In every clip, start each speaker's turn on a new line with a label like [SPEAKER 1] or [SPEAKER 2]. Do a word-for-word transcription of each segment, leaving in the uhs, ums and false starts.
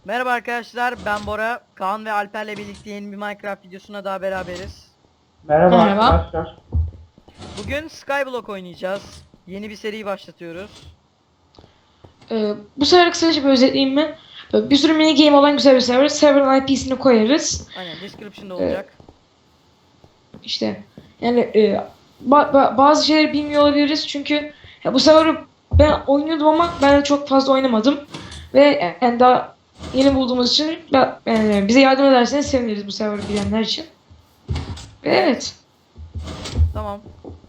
[SPEAKER 1] Merhaba arkadaşlar, ben Bora. Kaan ve Alper'le birlikte yeni bir Minecraft videosuna daha beraberiz.
[SPEAKER 2] Merhaba,
[SPEAKER 3] Merhaba.
[SPEAKER 2] arkadaşlar.
[SPEAKER 1] Bugün Skyblock oynayacağız. Yeni bir seri başlatıyoruz.
[SPEAKER 3] Ee, bu sefer kısaca bir özetleyeyim mi? Ee, Bir sürü mini game olan güzel bir server. Server'ın I P'sini koyarız.
[SPEAKER 1] Aynen, description'da olacak.
[SPEAKER 3] İşte yani e, ba- ba- bazı şeyleri bilmiyor olabiliriz çünkü ya bu server'ı ben oynuyordum ama ben çok fazla oynamadım. Ve yani daha yeni bulduğumuz için ben- yani bize yardım ederseniz seviniriz bu server'ı bilenler için. Ve evet.
[SPEAKER 1] Tamam.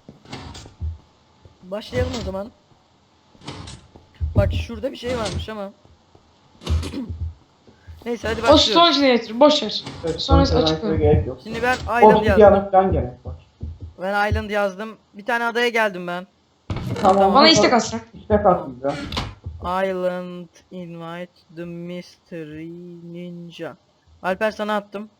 [SPEAKER 1] Başlayalım o zaman. Bak şurada bir şey varmış ama. Neyse hadi
[SPEAKER 3] O
[SPEAKER 1] başlıyoruz.
[SPEAKER 3] Stone Generator boş ver.
[SPEAKER 2] Evet,
[SPEAKER 3] Sonrası
[SPEAKER 2] konuşmaya
[SPEAKER 3] açıklarım.
[SPEAKER 2] gerek yok.
[SPEAKER 1] Şimdi ben Island
[SPEAKER 2] Obsidian'a
[SPEAKER 1] yazdım.
[SPEAKER 2] falan gerek var.
[SPEAKER 1] Ben Island yazdım. Bir tane adaya geldim ben.
[SPEAKER 2] Tamam.
[SPEAKER 3] Bana istek atsak.
[SPEAKER 2] İstek at bize.
[SPEAKER 1] Island invite the mystery ninja. Alper sana attım.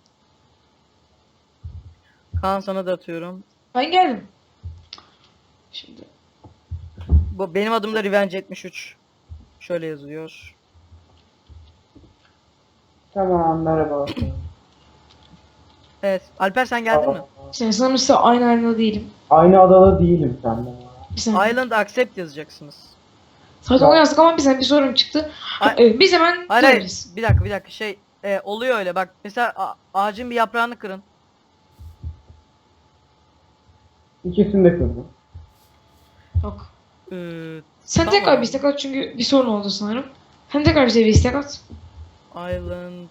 [SPEAKER 1] Kaan sana da atıyorum.
[SPEAKER 3] Ben geldim. Şimdi
[SPEAKER 1] Bu benim adım da Revenge yetmiş üç. Şöyle yazıyor.
[SPEAKER 2] Tamam, merhaba.
[SPEAKER 1] Evet. Alper sen geldin mi?
[SPEAKER 3] sen sanırım size aynı arenada değilim.
[SPEAKER 2] Aynı adada değilim senden.
[SPEAKER 3] Bir saniye.
[SPEAKER 1] Island accept yazacaksınız.
[SPEAKER 3] Zaten
[SPEAKER 2] Ya.
[SPEAKER 3] onu yazdık ama bize bir sorun çıktı.
[SPEAKER 1] Ay-
[SPEAKER 3] Ee, biz hemen
[SPEAKER 1] Hayır hayır.
[SPEAKER 3] döneriz.
[SPEAKER 1] Bir dakika bir dakika şey e, oluyor öyle bak. Mesela a- ağacın bir yaprağını kırın.
[SPEAKER 2] İkisini de kırdım.
[SPEAKER 3] Yok.
[SPEAKER 1] Ee,
[SPEAKER 3] Sen
[SPEAKER 1] Tamam.
[SPEAKER 3] tekrar bir istek at çünkü bir sorun oldu sanırım. Sen tekrar bize bir istek at.
[SPEAKER 1] Island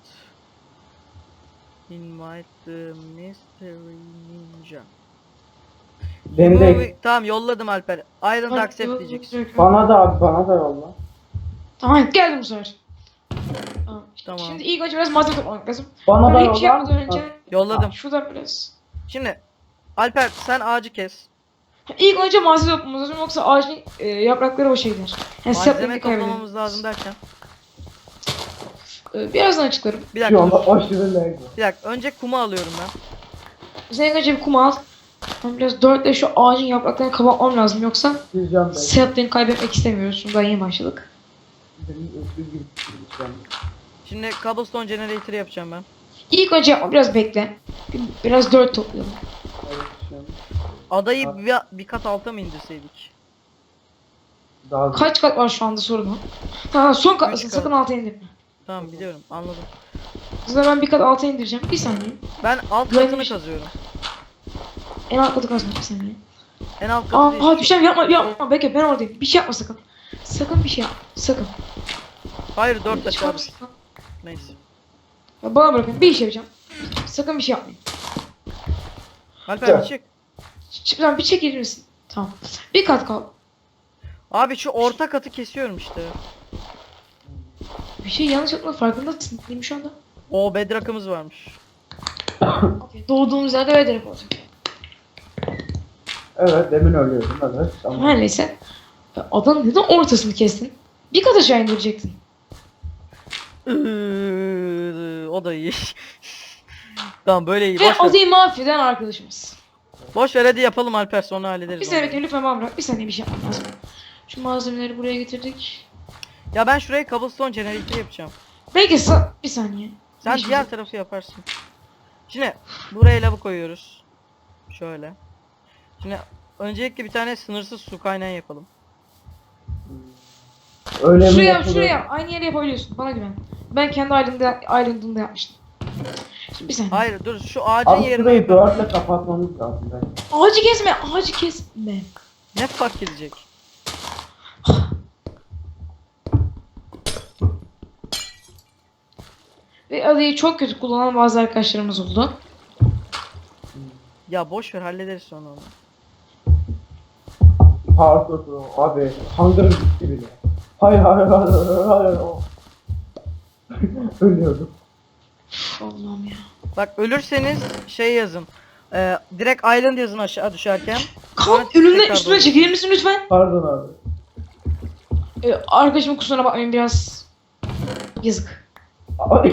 [SPEAKER 1] invite the mystery ninja.
[SPEAKER 2] Beni
[SPEAKER 1] Bu-
[SPEAKER 2] de
[SPEAKER 1] Tamam yolladım Alper. Island
[SPEAKER 3] Bak,
[SPEAKER 1] accept
[SPEAKER 3] yok,
[SPEAKER 1] diyeceksin.
[SPEAKER 3] yok, yok.
[SPEAKER 2] bana da abi bana da yolla.
[SPEAKER 3] Tamam geldim bu sefer. Tamam.
[SPEAKER 1] Tamam.
[SPEAKER 3] Şimdi ilk önce biraz malzeme toplamak lazım.
[SPEAKER 2] Bana da
[SPEAKER 3] Böyle hiç
[SPEAKER 2] yolla.
[SPEAKER 3] yapmadan önce
[SPEAKER 1] Yolladım.
[SPEAKER 3] şuradan biraz.
[SPEAKER 1] Şimdi Alper sen ağacı kes.
[SPEAKER 3] İlk önce malzeme toplamamız lazım yoksa ağacın e, yaprakları boşa gider. Yani
[SPEAKER 1] Malzeme
[SPEAKER 3] saplarını
[SPEAKER 1] toplamamız
[SPEAKER 3] kaybederiz.
[SPEAKER 1] lazım derken.
[SPEAKER 3] Ee, birazdan açıklarım.
[SPEAKER 1] Bir
[SPEAKER 2] Şu
[SPEAKER 1] dakika
[SPEAKER 2] anda
[SPEAKER 1] dur.
[SPEAKER 2] aşırı lag var.
[SPEAKER 1] Bir dakika önce kumu alıyorum ben.
[SPEAKER 3] Sen ilk önce bir kum al. Ben biraz dörtle şu ağacın yapraklarını kapatmam lazım yoksa
[SPEAKER 2] Sizcan Bey.
[SPEAKER 3] saplarını kaybetmek istemiyoruz. Çünkü daha yeni başladık.
[SPEAKER 2] Benim öksüz gibi tutuşacağım.
[SPEAKER 1] Şimdi cobblestone generator yapacağım ben.
[SPEAKER 3] İlk önce yapma biraz bekle. Bir- Biraz dört toplayalım.
[SPEAKER 2] Evet, şu an
[SPEAKER 1] Adayı bir, bir kat alta mı indirseydik?
[SPEAKER 2] daha
[SPEAKER 3] Kaç kat var şu anda sorun o. Tamam son katlasın
[SPEAKER 1] Üç kat.
[SPEAKER 3] sakın alta indirme.
[SPEAKER 1] Tamam biliyorum anladım.
[SPEAKER 3] Size ben bir kat alta indireceğim. Bir saniye.
[SPEAKER 1] Ben alt
[SPEAKER 3] Güvenli
[SPEAKER 1] katını
[SPEAKER 3] bir şey.
[SPEAKER 1] kazıyorum.
[SPEAKER 3] En alt katı kazma bir saniye.
[SPEAKER 1] En alt katı
[SPEAKER 3] Aa,
[SPEAKER 1] değil.
[SPEAKER 3] aa düşeceğim yapma yapma bekle ben oradayım. Bir şey yapma sakın. Sakın bir şey yapma. Sakın.
[SPEAKER 1] Hayır dört aşağı.
[SPEAKER 3] Çıkar
[SPEAKER 1] düş.
[SPEAKER 3] mısın?
[SPEAKER 1] Neyse.
[SPEAKER 3] Ya bana bırakın bir iş yapacağım. Sakın bir şey yapmayın.
[SPEAKER 1] Alper bir çık.
[SPEAKER 3] Ç- Lan bir çekilir misin? Tamam. Bir kat kal.
[SPEAKER 1] Abi şu orta katı kesiyorum işte.
[SPEAKER 3] Bir şey yanlış yapma farkındasın değil mi şu anda?
[SPEAKER 1] O bedrock'ımız varmış.
[SPEAKER 3] Okay. Doğduğumuz yerde öyle direkt olacak.
[SPEAKER 2] Evet, demin ölüyordum evet. Tamam.
[SPEAKER 3] Her neyse. Ya Adanın neden ortasını kestin? Bir kat aşağı indirecektin.
[SPEAKER 1] Iıı, o da iyi. Tamam böyle iyi.
[SPEAKER 3] Ve
[SPEAKER 1] Boş ver.
[SPEAKER 3] adayı mahveden arkadaşımız.
[SPEAKER 1] Boş ver hadi yapalım Alper sonra hallederiz.
[SPEAKER 3] Bir
[SPEAKER 1] onu.
[SPEAKER 3] saniye bekle lütfen bana bırak. Bir saniye bir şey yapmam lazım. Şu malzemeleri buraya getirdik.
[SPEAKER 1] Ya ben şuraya cobblestone generator yapacağım.
[SPEAKER 3] Belki sa- bir saniye.
[SPEAKER 1] Sen
[SPEAKER 3] Bir şey-
[SPEAKER 1] diğer tarafı yaparsın. Şimdi buraya lavı koyuyoruz. Şöyle. Şimdi öncelikle bir tane sınırsız su kaynağı yapalım.
[SPEAKER 2] Öyle mi
[SPEAKER 3] Şuraya
[SPEAKER 2] yapılıyor?
[SPEAKER 3] şuraya aynı yere yapabiliyorsun. Bana güven. Ben kendi island'da, island'ımda yapmıştım. Şimdi bir saniye.
[SPEAKER 1] Hayır dur şu ağacın
[SPEAKER 2] Abi
[SPEAKER 1] yerine
[SPEAKER 2] şurayı
[SPEAKER 1] yapalım.
[SPEAKER 2] dörtle kapatmamız lazım. Ben.
[SPEAKER 3] Ağacı kesme, ağacı kesme.
[SPEAKER 1] Ne fark edecek?
[SPEAKER 3] Ve adayı çok kötü kullanan bazı arkadaşlarımız oldu.
[SPEAKER 1] Ya boş ver hallederiz sonra onu.
[SPEAKER 2] Parkur Pro. Abi hangırım gitti bile. Hayır hayır hayır hayır hayır. Oh. Ölüyordum.
[SPEAKER 3] Üf, Allah'ım ya.
[SPEAKER 1] Bak ölürseniz şey yazın. Ee, direkt island yazın aşağı düşerken.
[SPEAKER 3] Kan
[SPEAKER 1] Sonra
[SPEAKER 3] önümden
[SPEAKER 1] tekrar
[SPEAKER 3] üstüne
[SPEAKER 1] doğru.
[SPEAKER 3] çekilir misin lütfen?
[SPEAKER 2] Pardon abi.
[SPEAKER 3] Ee, arkadaşımın kusuruna bakmayın biraz yazık.
[SPEAKER 2] Abi.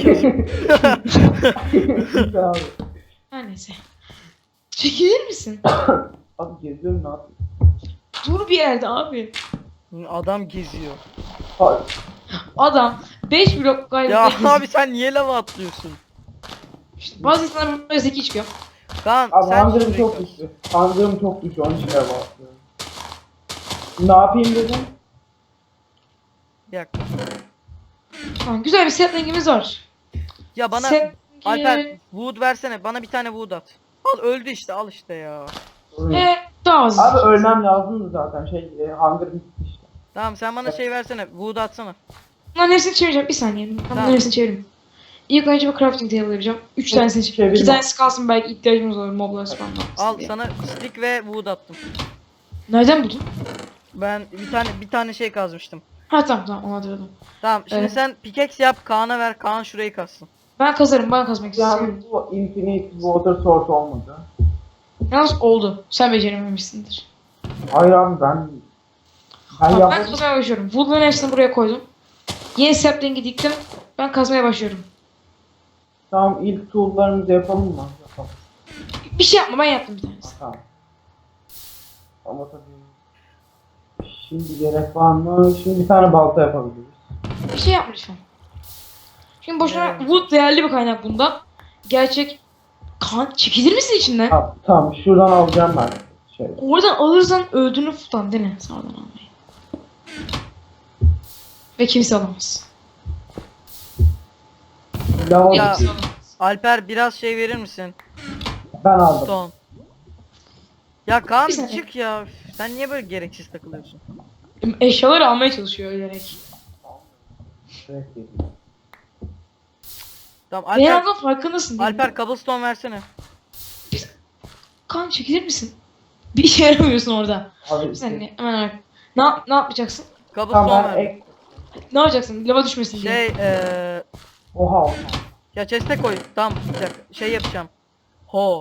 [SPEAKER 2] abi.
[SPEAKER 3] Her neyse. Çekilir misin?
[SPEAKER 2] Abi geziyorum ne yapayım?
[SPEAKER 3] Dur bir yerde abi.
[SPEAKER 1] Adam geziyor.
[SPEAKER 2] Hayır.
[SPEAKER 3] Adam beş blok galiba.
[SPEAKER 1] Ya
[SPEAKER 3] geziyor.
[SPEAKER 1] abi sen niye lava atlıyorsun?
[SPEAKER 3] İşte bazı insanlar böyle zeki çıkıyor.
[SPEAKER 1] Kaan
[SPEAKER 2] Abi
[SPEAKER 1] sen
[SPEAKER 2] Hunger'ım
[SPEAKER 1] şimdi
[SPEAKER 2] çok düştü. Hunger'ım çok düştü. Onun için devam atlıyorum. Ne yapayım dedim.
[SPEAKER 1] Bir dakika.
[SPEAKER 3] Tamam, güzel bir setlingimiz var.
[SPEAKER 1] Ya bana
[SPEAKER 3] Set-
[SPEAKER 1] Alper wood versene. Bana bir tane wood at. Al öldü işte al işte ya.
[SPEAKER 3] Ve daha az.
[SPEAKER 2] Abi ölmem lazımdı zaten şey e, Hunger bitti işte.
[SPEAKER 1] Tamam sen bana şey versene. Wood atsana.
[SPEAKER 3] Bunların hepsini çevireceğim. Bir saniye. Ben
[SPEAKER 1] Tamam.
[SPEAKER 3] bunların hepsini çevireyim. İlk önce bir crafting table yapacağım. Üç
[SPEAKER 2] Evet,
[SPEAKER 3] tanesini çevir.
[SPEAKER 2] çevirme.
[SPEAKER 3] İki tanesi kalsın, belki ihtiyacımız olur moblar spawnlamasın
[SPEAKER 1] Al
[SPEAKER 3] diye.
[SPEAKER 1] sana stick ve wood attım.
[SPEAKER 3] Nereden buldun?
[SPEAKER 1] Ben bir tane bir tane şey kazmıştım.
[SPEAKER 3] Ha tamam tamam, onu hatırladım.
[SPEAKER 1] Tamam şimdi
[SPEAKER 3] Evet.
[SPEAKER 1] sen pickaxe yap Kaan'a ver. Kaan şurayı kazsın.
[SPEAKER 3] Ben kazarım, ben kazmak istiyorum.
[SPEAKER 2] Yani bu infinite water source olmadı.
[SPEAKER 3] Yalnız oldu. Sen becerememişsindir.
[SPEAKER 2] Hayır abi ben ben
[SPEAKER 3] Tamam, ben
[SPEAKER 2] yapmadım.
[SPEAKER 3] kazmaya başlıyorum. Woodların hepsini buraya koydum. Yeni sapling'i diktim. Ben kazmaya başlıyorum.
[SPEAKER 2] Tamam ilk tool'larımızı yapalım mı? Yapalım.
[SPEAKER 3] Bir şey yapma, ben yaptım bir tanesi.
[SPEAKER 2] Tamam. Ama tabii şimdi gerek var mı? Şimdi bir tane balta yapabiliriz.
[SPEAKER 3] Bir şey yapma lütfen. Şimdi boşuna
[SPEAKER 1] Evet.
[SPEAKER 3] wood değerli bir kaynak bunda. Gerçek kan çekilir misin içinden?
[SPEAKER 2] Tamam, tamam şuradan alacağım ben. Şey.
[SPEAKER 3] Oradan alırsan öldüğünü tutan değil mi? Sağdan almayı. Ve kimse alamaz.
[SPEAKER 2] Lava
[SPEAKER 1] Ya.
[SPEAKER 3] Kimse alamaz.
[SPEAKER 1] Alper biraz şey verir misin?
[SPEAKER 2] ben aldım.
[SPEAKER 1] Stone. Ya Kaan
[SPEAKER 3] Bir saniye.
[SPEAKER 1] çık ya. Üf, sen niye böyle gereksiz takılıyorsun?
[SPEAKER 3] Eşyaları almaya çalışıyor ölerek.
[SPEAKER 2] Evet, değil.
[SPEAKER 1] Tamam
[SPEAKER 3] Benim
[SPEAKER 1] Alper,
[SPEAKER 3] aldığım farkındasın değil mi?
[SPEAKER 1] Alper cobblestone versene.
[SPEAKER 3] Kan çekilir misin? Bir işe yaramıyorsun orada.
[SPEAKER 2] Abi
[SPEAKER 3] Bir saniye hemen ar- Ne, yap- ne yapacaksın?
[SPEAKER 1] Cobblestone
[SPEAKER 2] tamam ben
[SPEAKER 1] ver.
[SPEAKER 2] ek...
[SPEAKER 3] Ne yapacaksın? Lava düşmesin diye.
[SPEAKER 1] Şey eee
[SPEAKER 2] Oha oha.
[SPEAKER 1] ya chest'e koy. Tamam bir dakika. Şey yapacağım. Ho.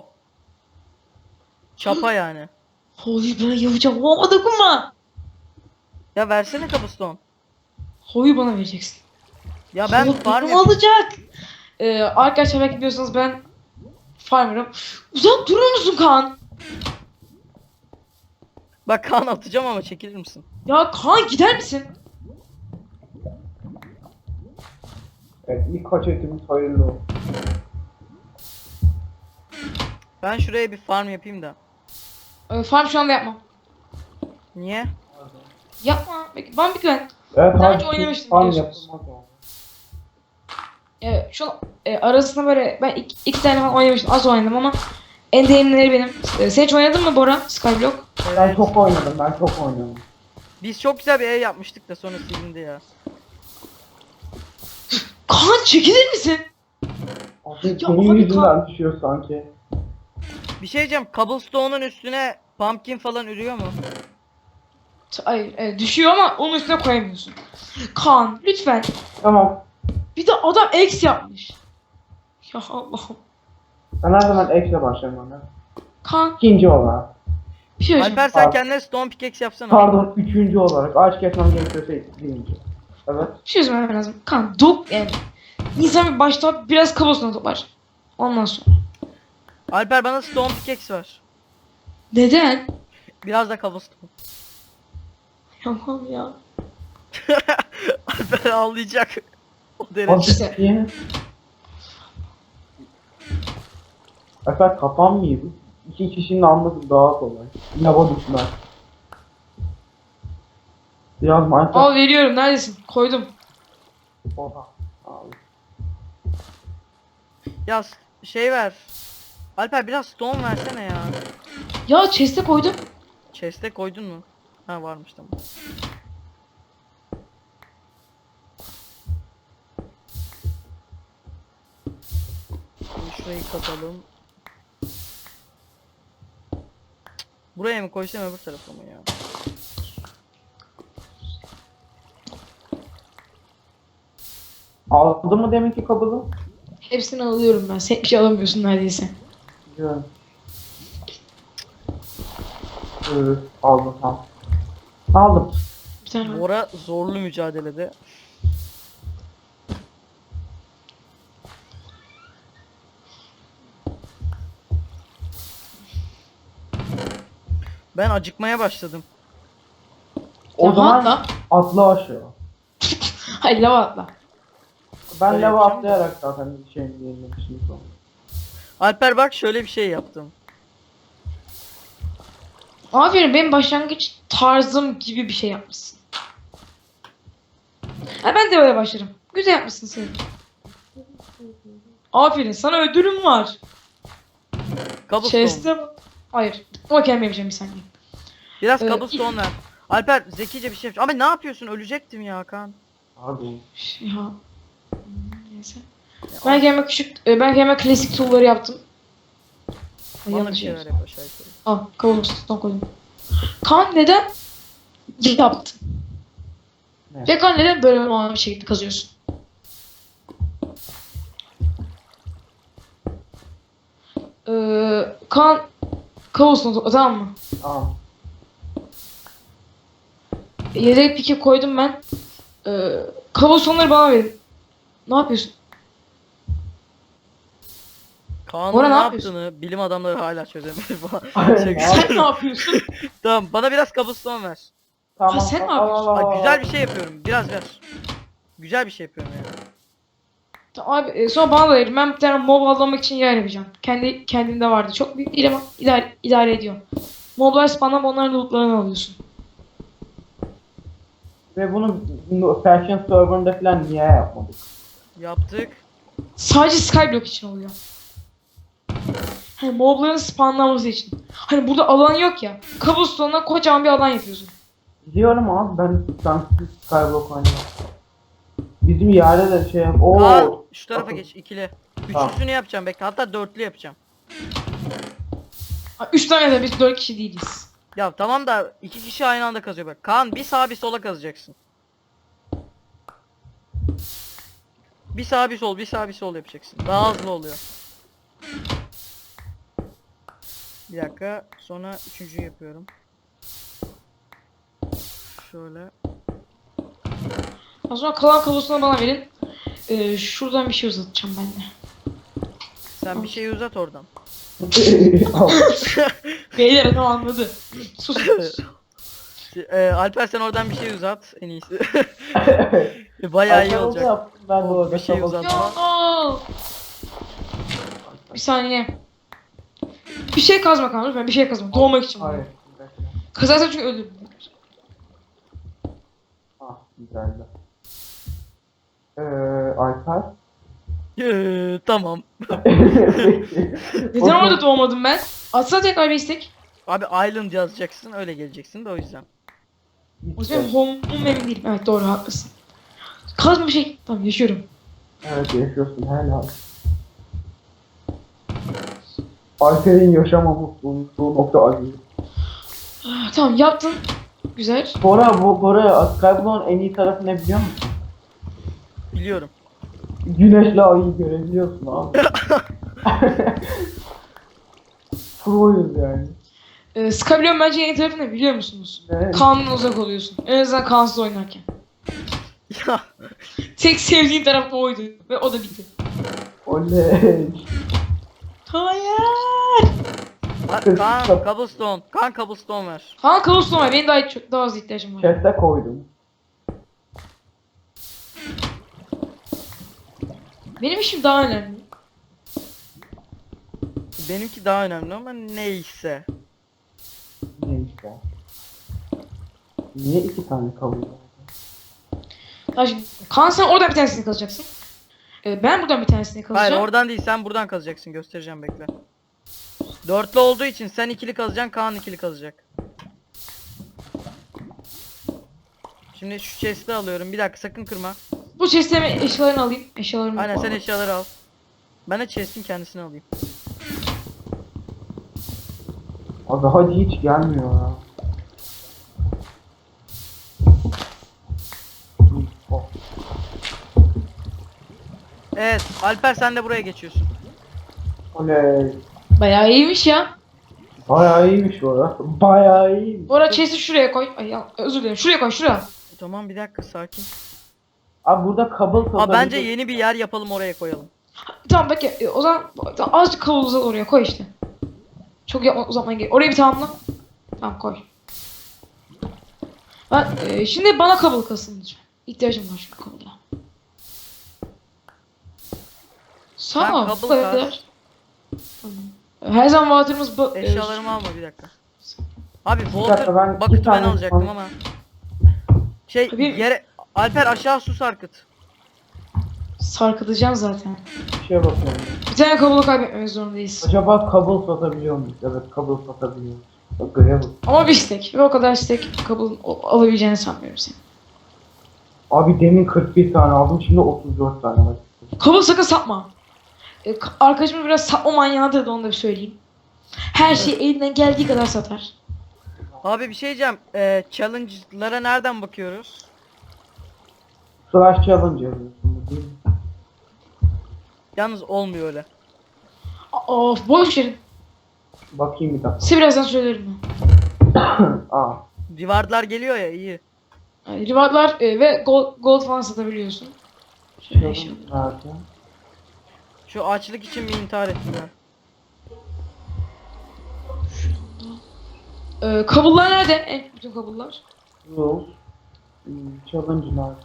[SPEAKER 1] Çapa yani.
[SPEAKER 3] Hoyu ben yapacağım. Hova dokunma.
[SPEAKER 1] Ya versene cobblestone.
[SPEAKER 3] Hoyu bana vereceksin.
[SPEAKER 1] Ya ben
[SPEAKER 3] Hoyu
[SPEAKER 1] farm
[SPEAKER 3] benim
[SPEAKER 1] yapayım.
[SPEAKER 3] alacak. Ee, arkadaşlar belki biliyorsanız ben farmer'ım. Uzak durur musun Kaan?
[SPEAKER 1] Bak Kaan atacağım ama çekilir misin?
[SPEAKER 3] Ya Kaan gider misin?
[SPEAKER 2] Evet ilk kaç etimiz hayırlı olsun.
[SPEAKER 1] Ben şuraya bir farm yapayım da.
[SPEAKER 3] Ee, farm şu anda yapmam.
[SPEAKER 1] Niye?
[SPEAKER 3] Yapma. Bek- Bana bir güven.
[SPEAKER 2] Evet
[SPEAKER 3] Daha
[SPEAKER 2] abi,
[SPEAKER 3] önce oynamıştım
[SPEAKER 2] farm
[SPEAKER 3] biliyorsunuz.
[SPEAKER 2] yapılmaz o.
[SPEAKER 3] Evet, şu an e, arasında böyle ben iki, iki tane falan oynamıştım. Az oynadım ama en değerlileri benim. E, sen hiç oynadın mı Bora? Skyblock?
[SPEAKER 2] Ben
[SPEAKER 1] Evet.
[SPEAKER 2] çok oynadım ben çok oynadım.
[SPEAKER 1] Biz çok güzel bir ev yapmıştık da sonra silindi ya.
[SPEAKER 3] Kaan çekilir misin?
[SPEAKER 2] Abi
[SPEAKER 3] Ya
[SPEAKER 2] senin
[SPEAKER 3] abi
[SPEAKER 2] yüzünden düşüyor sanki.
[SPEAKER 1] Bir şey diyeceğim. Cobblestone'un üstüne pumpkin falan ürüyor mu?
[SPEAKER 3] T- Hayır, evet, düşüyor ama onun üstüne koyamıyorsun. Kaan lütfen.
[SPEAKER 2] Tamam.
[SPEAKER 3] Bir de adam X yapmış. Ya Allah'ım.
[SPEAKER 2] Ben her zaman ekle başlarım ona.
[SPEAKER 3] Kaan
[SPEAKER 2] İkinci olarak.
[SPEAKER 3] bir şey söyleyeceğim.
[SPEAKER 1] Alper sen
[SPEAKER 2] Abi.
[SPEAKER 1] kendine stone pickaxe yapsana.
[SPEAKER 2] Pardon üçüncü olarak. Ağaç kesmem gerekiyorsa birinci. Evet.
[SPEAKER 3] Bir şey söylemem lazım. Kaan dok yani. İnsan bir başta biraz kabusuna toplar. Ondan sonra.
[SPEAKER 1] Alper bana stone pickaxe ver.
[SPEAKER 3] Neden?
[SPEAKER 1] Biraz da cobblestone.
[SPEAKER 3] Yapamam ya.
[SPEAKER 1] Alper ağlayacak. O
[SPEAKER 2] Abi
[SPEAKER 1] derece.
[SPEAKER 3] İşte.
[SPEAKER 2] niye? Efer kapanmıyor bu. İki kişinin alması daha kolay. Lava düşmez. Biraz Minecraft.
[SPEAKER 3] Al veriyorum, neredesin? Koydum.
[SPEAKER 2] Oha. Abi.
[SPEAKER 1] Ya s- şey ver. Alper biraz stone versene ya.
[SPEAKER 3] Ya chest'e koydum.
[SPEAKER 1] Chest'e koydun mu? Ha varmış tamam. Şimdi şurayı katalım. Buraya mı koysam öbür tarafa mı ya?
[SPEAKER 2] Aldın mı deminki kabını?
[SPEAKER 3] Hepsini alıyorum ben. Sen bir şey alamıyorsun neredeyse.
[SPEAKER 2] Biliyorum. Evet, aldım tamam. Aldım.
[SPEAKER 3] Bir tane var.
[SPEAKER 1] Bora zorlu mücadelede. Ben acıkmaya başladım.
[SPEAKER 2] O
[SPEAKER 3] Lava
[SPEAKER 2] zaman
[SPEAKER 3] atla.
[SPEAKER 2] atla aşağı.
[SPEAKER 3] Hayır lava atla.
[SPEAKER 2] Ben
[SPEAKER 1] Öyle
[SPEAKER 2] lava
[SPEAKER 1] yapacağım da.
[SPEAKER 2] atlayarak zaten bir şey yenilemişim sonra.
[SPEAKER 1] Alper bak şöyle bir şey yaptım.
[SPEAKER 3] Aferin, benim başlangıç tarzım gibi bir şey yapmışsın. Ha, ben de böyle başlarım. Güzel yapmışsın sen. Aferin, sana ödülüm var.
[SPEAKER 1] Cobblestone.
[SPEAKER 3] Chest'e bak. Hayır. Ama kendim yapacağım bir saniye.
[SPEAKER 1] Biraz
[SPEAKER 3] Ee,
[SPEAKER 1] cobblestone ver. Alper zekice bir şey yapacağım. Ama ne yapıyorsun? Ölecektim ya Kaan.
[SPEAKER 2] Abi.
[SPEAKER 3] Ya. Hmm, Neyse. Ben kendime küçük, e, ben kendime klasik tool'ları yaptım. Ay,
[SPEAKER 1] Bana bir
[SPEAKER 3] yanlış
[SPEAKER 1] şeyler
[SPEAKER 3] yer.
[SPEAKER 1] yap aşağı yukarı.
[SPEAKER 3] Al, cobblestone koydum. Kaan neden yaptın?
[SPEAKER 2] Ne?
[SPEAKER 3] Ve Kaan neden böyle bir şekilde kazıyorsun? Ee, Kaan cobblestone topla, tamam mı?
[SPEAKER 2] Tamam.
[SPEAKER 3] Yedek piki koydum ben. Ee, cobblestone'ları bana verin. Ne yapıyorsun?
[SPEAKER 1] Kaan'ın
[SPEAKER 3] Bora,
[SPEAKER 1] ne
[SPEAKER 3] ne yapıyorsun?
[SPEAKER 1] yaptığını bilim adamları hala çözemedi falan.
[SPEAKER 2] Aynen.
[SPEAKER 1] Şaka
[SPEAKER 3] Sen ne
[SPEAKER 1] yapıyorum.
[SPEAKER 3] yapıyorsun?
[SPEAKER 1] Tamam bana biraz cobblestone ver.
[SPEAKER 2] Tamam.
[SPEAKER 3] sen ne
[SPEAKER 2] al, al,
[SPEAKER 3] yapıyorsun?
[SPEAKER 2] al, al.
[SPEAKER 1] Ay, güzel bir şey yapıyorum. Biraz ver. Güzel bir şey yapıyorum yani.
[SPEAKER 3] Tamam abi, e, sonra bana da verin. Ben bir tane mob avlamak için yer yapacağım. Kendi kendimde vardı. Çok büyük değil ama idare, idare ediyor. Moblar spawnlanıp onların lootlarını alıyorsun.
[SPEAKER 2] Ve bunu no- Fashion server'ında falan niye yapmadık?
[SPEAKER 1] Yaptık.
[SPEAKER 3] Sadece Skyblock için oluyor. Hani mobların spawnlanması için. Hani burada alan yok ya. Cobblestone'dan kocaman bir alan yapıyorsun.
[SPEAKER 2] Biliyorum abi, ben sensiz Skyblock oynuyorum. Bizim yerde de şey yap. Oo.
[SPEAKER 1] Kaan şu tarafa
[SPEAKER 2] Bakın.
[SPEAKER 1] geç. İkili.
[SPEAKER 2] Tamam.
[SPEAKER 1] Üçlüsünü yapacağım bekle. Hatta dörtlü yapacağım.
[SPEAKER 3] Ha, Üç tane de biz dört kişi değiliz.
[SPEAKER 1] Ya tamam da iki kişi aynı anda kazıyor bak. Kaan bir sağa bir sola kazacaksın. Bir sağ bir sol, bir sağ bir sol yapacaksın. Daha hızlı oluyor. Bir dakika. Sonra üçüncüyü yapıyorum. Şöyle.
[SPEAKER 3] O zaman kalan kablostone'u bana verin. Ee, şuradan bir şey uzatacağım ben de.
[SPEAKER 1] Sen bir şeyi uzat oradan.
[SPEAKER 3] Beyler adam anladı. Sus.
[SPEAKER 1] Ee, Alper sen oradan bir şey uzat en iyisi. Bayağı iyi
[SPEAKER 2] Arkadaşlar
[SPEAKER 1] olacak.
[SPEAKER 2] yaptım, ben de
[SPEAKER 1] O,
[SPEAKER 2] orada
[SPEAKER 1] bir şey
[SPEAKER 2] kabul-
[SPEAKER 1] uzat.
[SPEAKER 3] Ya. Bir saniye. Bir şey kazma kanka lütfen, bir şey kazma. Doğmak için.
[SPEAKER 2] Hayır.
[SPEAKER 3] bunu.
[SPEAKER 2] bir dakika.
[SPEAKER 3] Kazarsan çünkü ölürüm.
[SPEAKER 2] Ah, güzeldi. Ee, Alper.
[SPEAKER 1] Ee, tamam.
[SPEAKER 3] Neden orada doğmadım ben? Atsana tekrar bir istek.
[SPEAKER 1] Abi Island yazacaksın öyle geleceksin de o yüzden.
[SPEAKER 3] O yüzden home'um emin değilim. Evet doğru, haklısın. Kazma bir şey. Tamam, yaşıyorum.
[SPEAKER 2] Evet, yaşıyorsun helal. Alper'in yaşamaması bulunduğu nokta acı.
[SPEAKER 3] Ah, tamam yaptın. Güzel.
[SPEAKER 2] Bora, bu Bora, Skyblock'un en iyi tarafı ne biliyor musun?
[SPEAKER 1] Biliyorum.
[SPEAKER 2] Güneşle ayı görebiliyorsun abi. Pro'yuz yani.
[SPEAKER 3] Ee, Skyblock'un bence yeni tarafı ne biliyor musunuz?
[SPEAKER 2] Ne?
[SPEAKER 3] Kandan uzak oluyorsun. En azından kansız oynarken.
[SPEAKER 1] Ya
[SPEAKER 3] Tek sevdiğim taraf oydu. Ve o da bitti.
[SPEAKER 2] Oley.
[SPEAKER 3] Hayır.
[SPEAKER 1] Ha- Kaan cobblestone. Kaan cobblestone ver.
[SPEAKER 3] Kaan Cobblestone var. Benim daha çok daha az ihtiyacım var.
[SPEAKER 2] Chest'e koydum.
[SPEAKER 3] Benim işim daha önemli.
[SPEAKER 1] Benimki daha önemli ama neyse.
[SPEAKER 2] Neyse. Niye iki tane kabul edin?
[SPEAKER 3] Ya şimdi, Kaan sen oradan bir tanesini kazacaksın. Ee, ben buradan bir tanesini kazacağım.
[SPEAKER 1] Hayır oradan değil sen buradan kazacaksın göstereceğim bekle. Dörtlü olduğu için sen ikili kazacaksın Kaan ikili kazacak. Şimdi şu chest'i alıyorum bir dakika sakın kırma.
[SPEAKER 3] Bu chest'e eşyalarını alayım. Eşyalarımı
[SPEAKER 1] Aynen sen
[SPEAKER 3] alayım.
[SPEAKER 1] eşyaları al. Ben de chest'in kendisini alayım.
[SPEAKER 2] Abi hadi hiç gelmiyor ya. Oh.
[SPEAKER 1] Evet Alper sen de buraya geçiyorsun.
[SPEAKER 2] Oley.
[SPEAKER 3] Bayağı iyiymiş ya.
[SPEAKER 2] Bayağı iyiymiş bu arada. Bayağı iyiymiş.
[SPEAKER 3] Bu arada chest'i şuraya koy. Ay ya, özür dilerim. Şuraya koy, şuraya.
[SPEAKER 1] Tamam bir dakika sakin.
[SPEAKER 2] Abi burada kabul
[SPEAKER 1] Aa, bence yeni bir yer yapalım oraya koyalım.
[SPEAKER 3] Tamam peki, e, o zaman tamam, azıcık kavul uzat oraya koy işte. Çok yapma, uzatman gerek. Orayı bir tamamla. Tamam koy. Ben, e, şimdi bana kabul kasın lütfen. İhtiyacım var çünkü kabula. Sağ
[SPEAKER 1] Ben
[SPEAKER 3] ol.
[SPEAKER 1] kabul
[SPEAKER 3] Bu kadar.
[SPEAKER 1] kas.
[SPEAKER 3] Her zaman water'ımız bu.
[SPEAKER 1] Eşyalarımı alma bir dakika. Abi
[SPEAKER 2] dakika,
[SPEAKER 1] Walter
[SPEAKER 2] ben iki
[SPEAKER 1] bucket'ı ben
[SPEAKER 2] tane
[SPEAKER 1] alacaktım
[SPEAKER 2] son-
[SPEAKER 1] ama. Şey
[SPEAKER 3] Abi-
[SPEAKER 1] yere Alper aşağı su sarkıt.
[SPEAKER 3] Sarkıtacağım zaten.
[SPEAKER 2] Bir şeye bakıyorum.
[SPEAKER 3] Bir tane kablo kaybetmemek zorundayız.
[SPEAKER 2] Acaba kabul satabiliyor muyuz? Evet, kabul satabiliyoruz. Bak görev bu.
[SPEAKER 3] Ama bir istek. Ve o kadar istek kabul alabileceğini sanmıyorum senin.
[SPEAKER 2] Abi demin kırk bir tane aldım, şimdi otuz dört tane var.
[SPEAKER 3] Kabul sakın satma. E, ka- arkadaşım biraz satma manyağıdır da onu da bir söyleyeyim. Her şeyi elinden geldiği kadar satar.
[SPEAKER 1] Abi bir şey diyeceğim. Ee, challenge'lara nereden bakıyoruz?
[SPEAKER 2] Slash challenge yazıyorsun değil mi?
[SPEAKER 1] Yalnız olmuyor öyle.
[SPEAKER 3] A- Of boş verin.
[SPEAKER 2] Bakayım bir dakika.
[SPEAKER 3] Size birazdan söylerim ben.
[SPEAKER 2] Aa.
[SPEAKER 1] Rewardlar geliyor ya iyi.
[SPEAKER 3] Yani rewardlar e, ve gold, gold falan satabiliyorsun. Şöyle şey.
[SPEAKER 2] Challenge nerede?
[SPEAKER 1] Şu açlık için bir intihar ettim ben.
[SPEAKER 3] E, kabullar nerede? En bütün kabullar.
[SPEAKER 2] Rules. Hmm, Challenge nerede?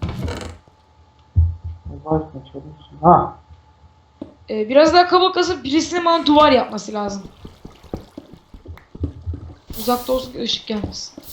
[SPEAKER 2] Var mı challenge? Ha.
[SPEAKER 3] E, biraz daha kabul kasıp birisinin bana duvar yapması lazım. Uzakta olsun ki ışık gelmesin.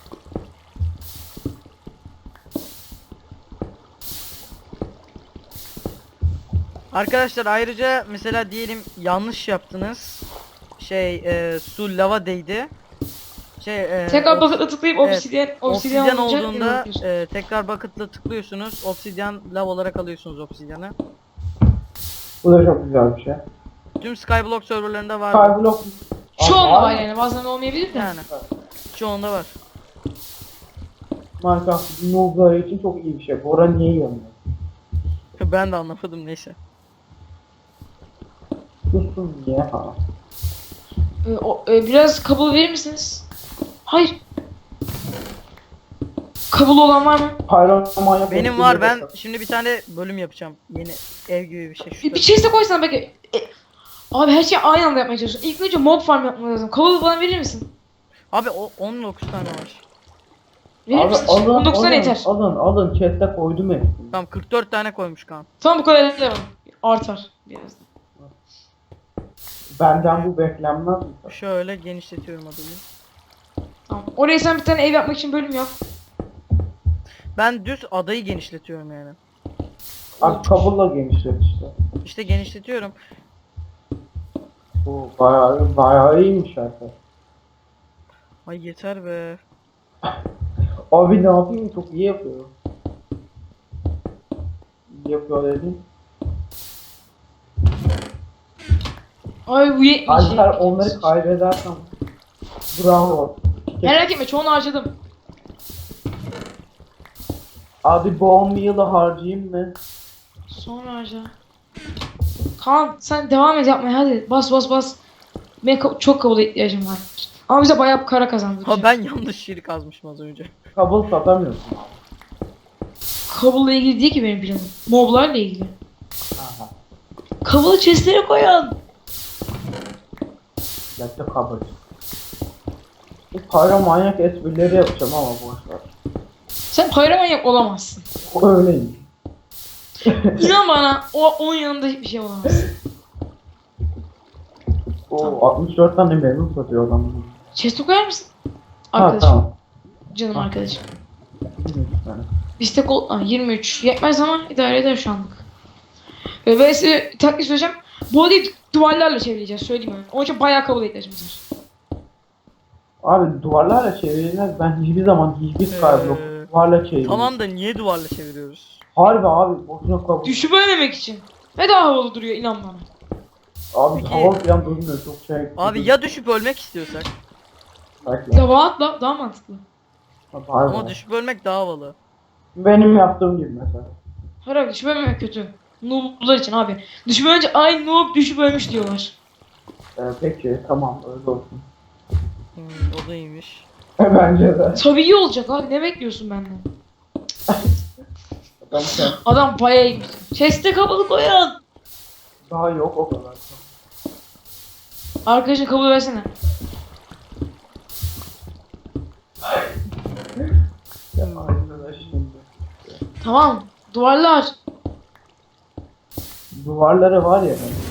[SPEAKER 1] Arkadaşlar ayrıca mesela diyelim yanlış yaptınız. Şey e, su lava değdi. Şey e,
[SPEAKER 3] Tekrar
[SPEAKER 1] obs-
[SPEAKER 3] bucket'a tıklayıp
[SPEAKER 1] evet,
[SPEAKER 3] obsidyen,
[SPEAKER 1] obsidyen
[SPEAKER 3] obsidyen olunca
[SPEAKER 1] olduğunda
[SPEAKER 3] yapıyorsun.
[SPEAKER 1] e, tekrar bucket'la tıklıyorsunuz. Obsidyen lav olarak alıyorsunuz obsidyanı.
[SPEAKER 2] Bu da çok güzel bir şey.
[SPEAKER 1] Tüm Skyblock serverlarında var. bu.
[SPEAKER 2] Skyblock.
[SPEAKER 3] Çoğunda
[SPEAKER 2] Aa,
[SPEAKER 3] var yani bazen olmayabilir de.
[SPEAKER 1] Yani. Çoğunda var.
[SPEAKER 2] Minecraft noob'ları için çok iyi bir şey. Bora niye yanıyor?
[SPEAKER 1] Ben de anlamadım neyse.
[SPEAKER 2] Sussun niye ha?
[SPEAKER 3] E, o, e, biraz kabul verir misiniz? Hayır. Kabul olan var mı?
[SPEAKER 2] Pyromanyak.
[SPEAKER 1] Benim var, ben şimdi bir tane bölüm yapacağım. Yeni ev gibi bir şey.
[SPEAKER 3] Bir,
[SPEAKER 1] Şurada.
[SPEAKER 3] bir chest'e koysana belki. E, abi her şeyi aynı anda yapmaya çalışıyorsun. İlk önce mob farm yapman lazım. Kabul bana verir misin?
[SPEAKER 1] Abi o on dokuz tane var.
[SPEAKER 3] Verir
[SPEAKER 2] Abi
[SPEAKER 3] misin?
[SPEAKER 2] alın,
[SPEAKER 3] on dokuz tane
[SPEAKER 2] alın,
[SPEAKER 3] yeter.
[SPEAKER 2] alın, alın, chest'e koydum hepsini.
[SPEAKER 1] Tamam kırk dört tane koymuş Kaan.
[SPEAKER 3] Tamam bu kadar devam. Artar birazdan.
[SPEAKER 2] Benden bu beklenmez mi?
[SPEAKER 1] Şöyle genişletiyorum adımı.
[SPEAKER 3] Tamam. Oraya sen bir tane ev yapmak için bölüm yap.
[SPEAKER 1] Ben düz adayı genişletiyorum yani.
[SPEAKER 2] Abi kabulla genişlet işte.
[SPEAKER 1] İşte genişletiyorum.
[SPEAKER 2] Bu bayağı, bayağı iyiymiş artık.
[SPEAKER 1] Ay yeter be.
[SPEAKER 2] Abi ne yapayım, çok iyi yapıyor. İyi yapıyor dedim.
[SPEAKER 3] Ay bu yetmiş.
[SPEAKER 2] Alper onları kaybedersem bravo.
[SPEAKER 3] Merak etme çoğunu harcadım.
[SPEAKER 2] Abi bone meal'ı harcayayım mı?
[SPEAKER 3] Sonra harca. Kaan sen devam et yapmaya hadi. Bas bas bas. Benim ka- çok kabul ihtiyacım var. Ama bize bayağı para kazandıracak.
[SPEAKER 1] Ha ben yanlış yeri kazmışım az önce.
[SPEAKER 2] Kabul satamıyorsun.
[SPEAKER 3] Kabulla ilgili değil ki benim planım. Moblarla ilgili.
[SPEAKER 2] Aha.
[SPEAKER 3] Kabulu chestlere koyan.
[SPEAKER 2] Gerçi kabul. Bu pyromanyak esprileri yapacağım ama boşver.
[SPEAKER 3] Sen pyromanyak olamazsın.
[SPEAKER 2] O öyleymiş.
[SPEAKER 3] İnan bana o onun yanında hiçbir şey olamazsın.
[SPEAKER 2] O altmış dört tane memnun satıyor adam.
[SPEAKER 3] Chest'e koyar mısın?
[SPEAKER 2] Ha
[SPEAKER 3] Arkadaşım.
[SPEAKER 2] tamam.
[SPEAKER 3] Canım arkadaşım.
[SPEAKER 2] yirmi tane.
[SPEAKER 3] Bizde gold ah, yirmi üç. Yetmez ama idare eder şu anlık. Ve ben size taktik söyleyeceğim. Bu odayı duvarlarla çevireceğiz söyleyeyim mi? Onun için bayağı kabul ihtiyacımız var.
[SPEAKER 2] Abi duvarlarla çevirilmez. Ben hiçbir zaman hiçbir skyblock
[SPEAKER 1] Ee,
[SPEAKER 2] duvarla çevirmem.
[SPEAKER 1] Tamam da niye duvarla çeviriyoruz?
[SPEAKER 2] Harbi abi boşuna kabul.
[SPEAKER 3] Düşüp ölmemek için. Ve daha havalı duruyor inan bana.
[SPEAKER 2] Abi
[SPEAKER 1] Peki-
[SPEAKER 2] hava falan durmuyor çok şey.
[SPEAKER 1] Abi ya düşüp ölmek istiyorsak?
[SPEAKER 2] Belki.
[SPEAKER 3] Lava atla daha mantıklı.
[SPEAKER 2] Harbi.
[SPEAKER 1] Ama düşüp ölmek daha havalı.
[SPEAKER 2] Benim yaptığım gibi mesela.
[SPEAKER 3] Hayır abi düşüp ölmemek kötü. Noob'lar için abi. Düşüp ölünce ay noob düşüp ölmüş diyorlar.
[SPEAKER 2] Ee, peki tamam öyle olsun.
[SPEAKER 1] Hmm, o da iyiymiş.
[SPEAKER 2] Bence de.
[SPEAKER 3] Tabii iyi olacak abi ne bekliyorsun benden?
[SPEAKER 2] Ben sen
[SPEAKER 3] Adam bayağı iyiymiş. Chest'e kapalı koyan.
[SPEAKER 2] daha yok o kadar.
[SPEAKER 3] Arkadaşın kabul versene.
[SPEAKER 2] Ya arkadaş şimdi.
[SPEAKER 3] Tamam. Duvarlar.
[SPEAKER 2] duvarları var ya.